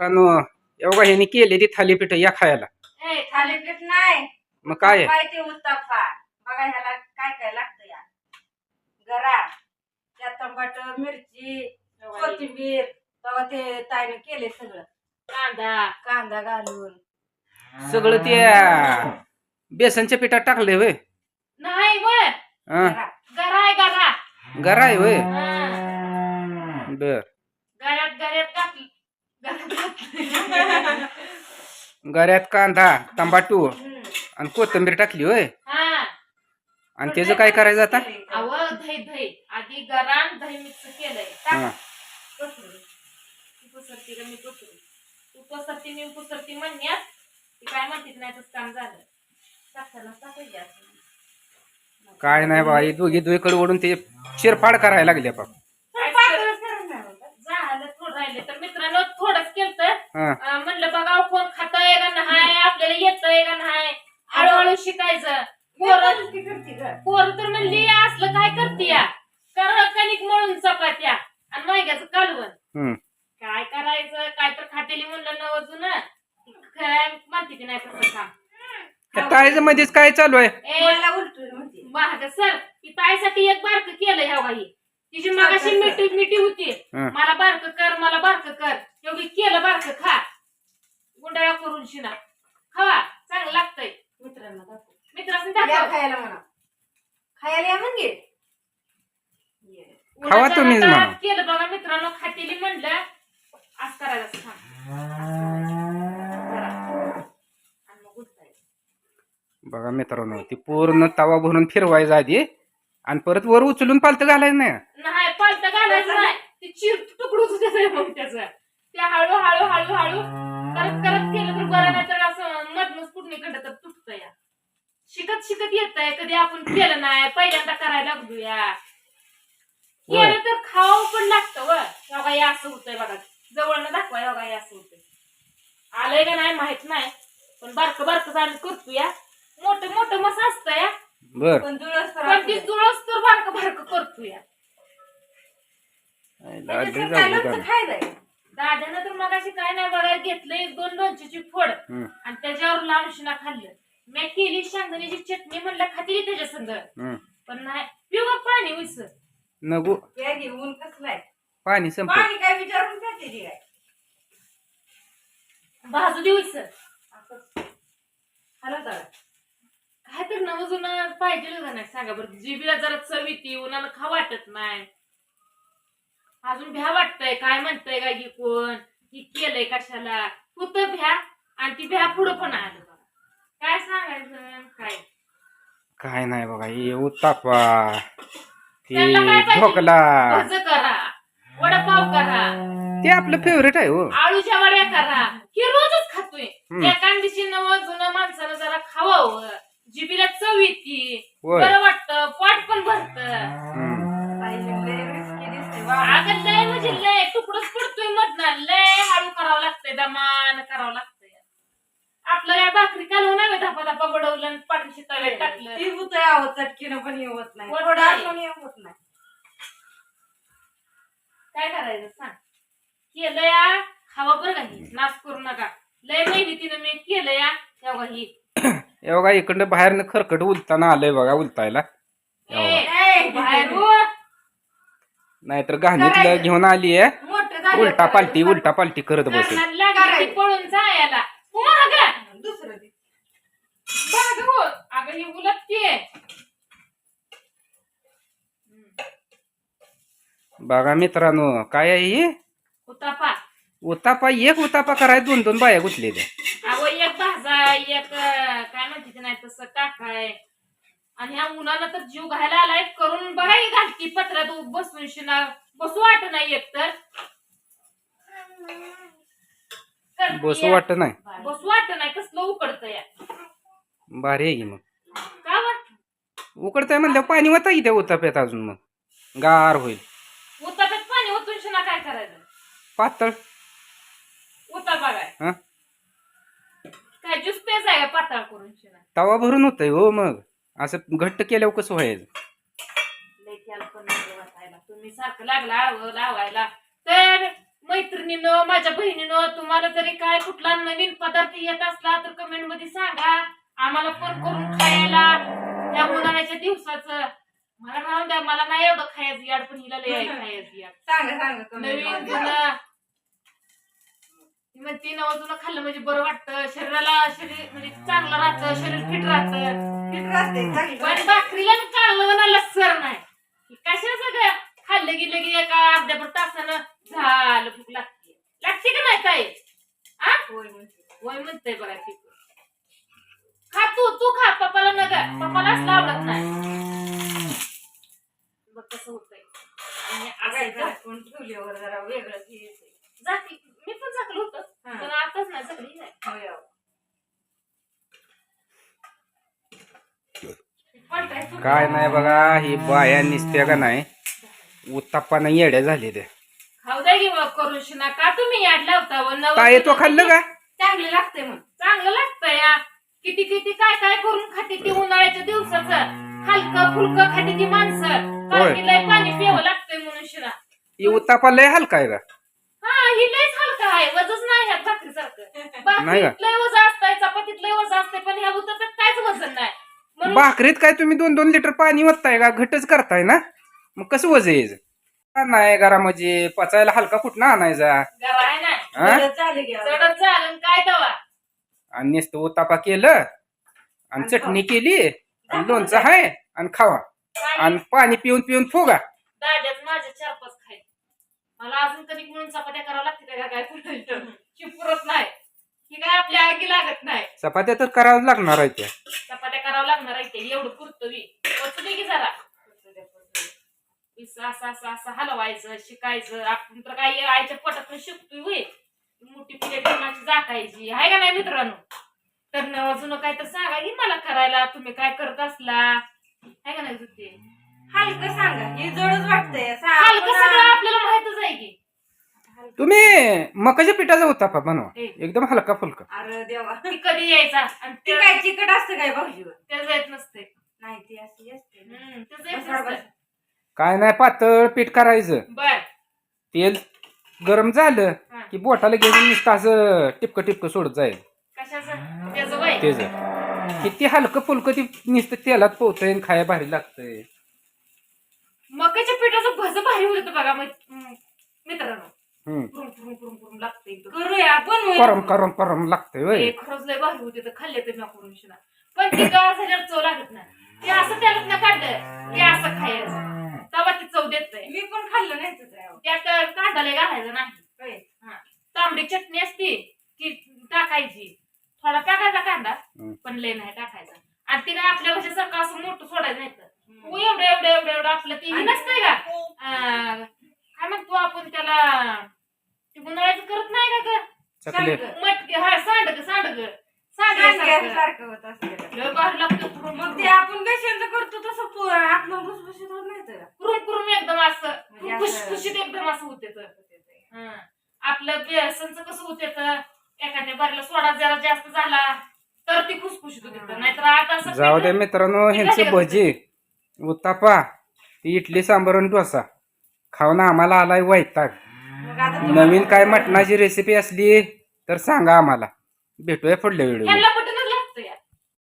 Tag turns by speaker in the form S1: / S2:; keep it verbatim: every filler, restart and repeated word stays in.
S1: मित्रांनो एवढा ह्यानी केलेली थालीपीठ या खायला.
S2: ए थालीपीठ नाही
S1: मग काय आहे?
S2: काय ते उत्तप्पा बघा ह्याला काय काय लागतं या गरा त्यात टमाटर मिरची कोथिंबीर बघा ते ताईने केले सगळं कांदा कांदा घालून
S1: सगळं ते बेसनच्या पिठात टाकले होय.
S3: नाही वर
S1: हा
S3: गरा आहे गरा
S1: गरा आहे होय. बर
S3: गऱ्यात गऱ्यात टाकली गऱ्यात
S1: गऱ्यात कांदा टमाटू आणि कोथिंबीर टाकली होय.
S3: हा
S1: आणि त्याचं काय करायचं आता?
S3: अव दही दही आधी गरा आणि दही मिक्स केलंय
S1: हा
S3: पसरू तू पसरती का मी पसरू तू पसरती मी पसरती म्हणण्यात ती काय म्हणते नाही तसं काम झालं टाकताना टाकायचे असं
S1: काय नाही बा दोघी दोघीकडे ओढून ते शिरफाड करायला लागले बाप.
S3: झालं थोडं राहिले तर मित्रांनो थोडंच केलं
S1: हा
S3: म्हणलं बघा कोण खातंय का नाही आपल्याला येतंय का नाही हळूहळू शिकायचं पोरं पोरं तर म्हणली असलं काय करते या कर कणिक मळून चपात्या आणि मायग्याचं कालवण
S1: हम्म
S3: काय करायचं काय तर खातेली म्हणलं न अजून काय म्हणते की नाही तसं काम
S1: त्या टाळीच्या मध्येच काय चालू आहे?
S3: ए महाग सर ती ताईसाठी एक बारक केलं ह्या बाई तिची मगाशी मिठी मिठी होती
S1: हं.
S3: मला बारक कर मला बारक कर एवढी केलं बारक खा गुंडाळा करून शिना खावा चांगलं लागतंय
S2: मित्रांना दाखव
S3: मित्रांनी
S2: या
S3: दाखव
S2: खायला म्हणा खायला या म्हणजे
S1: खावा
S3: उन्हाच्या
S1: तुम्हीच
S3: नादात
S1: म्हणा.
S3: केलं बघा मित्रांनो खातेली म्हणलं आज करायचं असं करा. आणि मग उठताय
S1: बघा मित्रांनो ती पूर्ण तवा भरून फिरवायचा आधी आणि परत वर उचलून पालत घालायचं नाही.
S3: नाही पालता घालायचं नाही ती चिर तुकडूच देते मग त्याचं ते हळू हळू हळू हळू करत करत केलं तर बरं नाही तर असं मधनच कुठणीकडं तर तुटतं या शिकत शिकत येतंय कधी आपण केलं नाही पहिल्यांदा करायला लागलो या केलं तर खावं पण लागतं व बघा हे असं होतंय बघा जवळनं दाखवा बघा हे असं होतंय आलंय का नाही माहित नाही पण बारकं बारकं आम्ही करतो या मोठं मोठं मस असतं या
S1: बर
S2: पण जुळस
S3: पण ती जुळस तर बारकं बारकं करतो या
S2: खायचंय
S3: दाद्यानं तर मगाशी काय नाही बघा घेतलं एक दोन लोणच्याची फोड
S1: हम्म
S3: आणि त्याच्यावर लावून शिना खाल्लं मी केली शेंगदाण्याची चटणी म्हणलं खाती त्याच्या संग
S1: हम्म
S3: पण नाही पिऊ पाणी उस
S1: नगू
S2: या घेऊन कसलाय
S1: पाणी संपलं.
S2: पाणी काय विचारून खाते ती काय
S3: भाजू दे उस
S2: हॅलो दादा
S3: काय तर नवं जुनं पाहिजे का नाही सांगा बरं जिबीला जरा चव येते उन्हानं खा वाटत नाही अजून भ्या वाटतंय काय म्हणतंय का की कोण की केलंय कशाला तू तर भ्या आणि ती भ्या पुढं पण आलं बघा काय सांगायचं काय
S1: काय नाही बघा हे उत्तापा
S3: त्यांना काय
S1: ते
S3: पाहिजे?
S1: ढोकला
S3: भज करा वडापाव करा
S1: ते आपलं फेवरेट आहे हो.
S3: आळूच्या वड्या करा हे रोजच खातोय
S1: हम्म.
S3: एका दिवशी नवं जुनं माणसानं जरा खावावं जिबीला चव येते
S1: होय.
S3: बरं वाटतं पोट पण भरत
S1: हम्म.
S3: अगं लय म्हणजे लय तुकडच पडतोय मधनं लय हळू करावं लागतंय दमान करावं लागतंय आपलं काय भाकरी कालवून नाही धापा धापा बडवलं आणि पाठीशी तव्यात टाकलं
S2: ती होत यावं चटकीनं पण हे होत नाही
S3: होत
S2: थोडं
S3: नाही.
S2: पण हे होत नाही
S3: काय करायचं सांग केलं या खावा बरं काही नाश करू नका लय मेहनतीनं मी केलं या तेव्हा ही
S1: हे बघा इकडनं बाहेरनं खरकट उलताना आलंय बघा उलतायला.
S3: ए, बाहेर हो.
S1: नाहीतर घाणीतलं घेऊन आली आहे
S2: मोठं झालं
S1: उलटा पालटी उलटा पालटी करत बसेल.
S3: लग्नात लागली ती पळून जायला हो अगं
S2: दुसरं दे.
S3: बघ हो अगं ही उलटतीये
S1: बघा मित्रांनो काय आहे ही
S3: उतापा
S1: उतापा एक उतापा कराय दोन दोन बाया गुतलेल्या.
S3: अगो एक भाजा एक अं, काय म्हणते ते नाही तसं टाकाय आणि ह्या मुलाला तर जीव घायला आलाय करून बघा ही घालती पत्रात उ- बसून शिना बसू वाट नाही एक तर करतीये.
S1: बसू वाटत नाही.
S3: बसू वाट नाही कसलं उकडतं या
S1: भारी आहे की मग
S3: का वा
S1: उकडतंय म्हणल्यावर पाणी होता की त्या उताप्यात अजून मग गार होईल.
S3: उताप्यात पाणी ओतून शिना काय करायचं
S1: पातळ
S3: उता बघाय
S1: हा
S3: काय ज्यूस पेच आहे का पातळ करून शिना
S1: तवा भरून होतंय हो. मग असं घट्ट केल्यावर कसं व्हायचं.
S3: लय त्याला पण नको वाटायला तुम्ही सारखं लागला आळवं लावायला तर मैत्रिणीनं माझ्या बहिणीनं तुम्हाला जरी काय कुठला नवीन पदार्थ येत असला तर कमेंट मध्ये सांगा आम्हाला फोन करून खायला त्या उन्हाळ्याच्या दिवसाचं. मला राहून द्या मला नाही एवढं खायचं याड पण हिला लय आहे खायचं याड.
S2: सांगा सांगा comment
S3: नवीन
S2: मध्ये.
S3: जुनं म्हणते नवं जुनं खाल्लं म्हणजे बरं वाटतं शरीराला शरीर म्हणजे चांगलं राहतं शरीर फिट राहतं.
S2: फिट राहते चांगलं.
S3: पण भाकरीला कालवणाला सर नाही कशा सगळं खाल्लं गेलं की एका अर्ध्या तासानं झालं भूक लागते लागते का नाही काय आ
S2: होय म्हणते.
S3: वय म्हणतंय बघा ती खा तू तू खा पप्पाला नका पप्पाला असलं आवडत नाही बघ कसं होतंय. आणि
S2: काय
S3: असं
S2: झाकून ठेवल्यावर जरा वेगळंच हे येतंय.
S3: जाती मी पण झाकलं होतं
S2: हा.
S3: पण आताच नाही झाकली नाही.
S2: होय अहो.
S3: पलटाय सुटलं.
S1: काय नाही बघा ही बाया निसत्या का नाही उत्तापानं येड्या झाले ते.
S3: खाऊ द्या की मग करून शिना का तुम्ही याड लावता व नवं
S1: काय तो खाल्लं का
S2: चांगले लागते मग.
S3: चांगलं लागतं या किती किती काय काय करून खाते ती उन्हाळ्याच्या दिवसाचं हलकं फुलकं खाते ती माणसं
S1: होय.
S3: कारण की लय पाणी प्यावं लागतंय म्हणून शिरा.
S1: ही उत्तापा लय हलका आहे का
S3: हा ही लयच हलका आहे वजच नाही ह्यात भाकरीसारखं.
S1: नाही का?
S3: भाकरीत लय वजन असतंय चपातीत लय वजन असतंय पण ह्या उताप्यात काहीच वजन नाही म्हणून
S1: भाकरीत काय तुम्ही दोन दोन लिटर पाणी ओतताय का घटच करताय ना मग कसं वज यायचं का नाही घरामध्ये पचायला हलका कुठं आणायचा
S3: गरा आहे ना
S1: हा?
S2: बरं चालेल घ्या.
S3: चढत झालं काय दवा
S1: आणि नुसतं उत्तापा केलं आणि चटणी केली आणि लोणचं आहे आणि खावा आणि पाणी पिऊन पिऊन फुगा.
S3: दाद्याच माझ्या चार पाच खाय मला अजून कधी म्हणून चपात्या करावं लागते का काय पुरत नाही ही काय आपल्या आगी लागत नाही.
S1: चपात्या तर करावं लागणार आहे त्या.
S3: चपात्या करावं लागणार आहे ते एवढं पुरतं वी पोचू दे की जरा असं असं असं असं हलवायचं शिकायचं आपण तर काही आईच्या पोटातून शिकतोय होय मोठी प्लेट कोणाची झाकायची आहे का नाही मित्रांनो. तर न अजून काय तर सांगा की मला करायला तुम्ही काय करत असला आहे का नाही जुते
S2: हलकं सांगा हे जडच वाटतंय. सा-
S3: हलकं
S2: आपण-
S3: सगळं आपल्याला माहितच आहे की
S1: तुम्ही मकाच्या पिठाचा उत्तापा बनवा
S3: ए.
S1: एकदम हलका फुलका.
S2: अरे देवा
S3: ती कधी यायचा आणि
S2: ते
S3: ते
S2: काय चिकट असतं काय भाऊजीवर.
S3: त्याचं येत नसते
S2: नाही ते अशी असते.
S3: हम्म त्याचं येत
S2: बसा,
S3: नसतं.
S2: बसा.
S1: काय नाही पातळ पीठ करायचं
S3: बर
S1: तेल गरम झालं
S3: हा.
S1: की बोटाला घेऊन नुसतं असं टिपकं टिपकं सोडत जाईल
S3: कशाचं त्याचं वय
S1: तेच किती हलकं फुलकं ती नुसतं तेलात पोहतंय आणि खाया भारी लागतंय.
S3: मकाच्या पिठाचं भज भारी होतं बघा मै- मित्रांनो
S1: हम्म
S3: कुरुम कुरुम कुरुम कुरुम लागतं एकदम.
S2: करूया आपण
S1: करम करम करम लागतंय वय.
S3: ते खरंच लय भारी होते तर खाल्ले तर मी करून शिना पण ते गार झाल्यावर चव लागत नाही ते असं त्याला ना काढलं ते असं खायचं तेव्हा ती चव देत नाही.
S2: मी पण खाल्लं नाही तर काय.
S3: त्यात कांदा लय घालायचा नाही.
S2: होय.
S3: हा. तांबडी चटणी असती ती टाकायची थोडा टाकायचा कांदा
S1: हम्म.
S3: पण लय नाही टाकायचा आणि ते काय आपल्या भाषेसारखं असं मोठं सोडायचं नाही तर हो एवढं एवढं एवढं एवढं आपलं ते हे नसतंय का अं, काय म्हणतो आपण त्याला ते उन्हाळ्याचं करत नाही का ग
S1: चकले
S3: मटके हा सांडग सांडग
S2: सांडग्या
S3: सांडग
S2: सारखं होत असतं.
S3: लय भारी लागतं कुरुम
S2: मग ते आपण बेसनचं करतो तसं पो- आपलं भुसभुशीत होत नाही तर.
S3: कुरुम कुरुम एकदम असं
S2: म्हणजे असं-
S3: खुशखुशीत एकदम असं होते तर हं. आपलं बेसनचं कसं होते तर एखाद्या बारीला सोडा जरा जास्त झाला तर ती खुसखुशीत होते नाहीतर आता असं
S1: जाऊ द्या मित्रांनो ह्यांचे भजी उत्तापा ती इडली सांबर आणि डोसा खाऊन आम्हाला आलाय वैताग.
S2: मग आता तुम्हाला-
S1: नवीन काय मटणाची रेसिपी असली तर सांगा आम्हाला. भेटूया पुढल्या व्हिडिओ.
S3: ह्यांना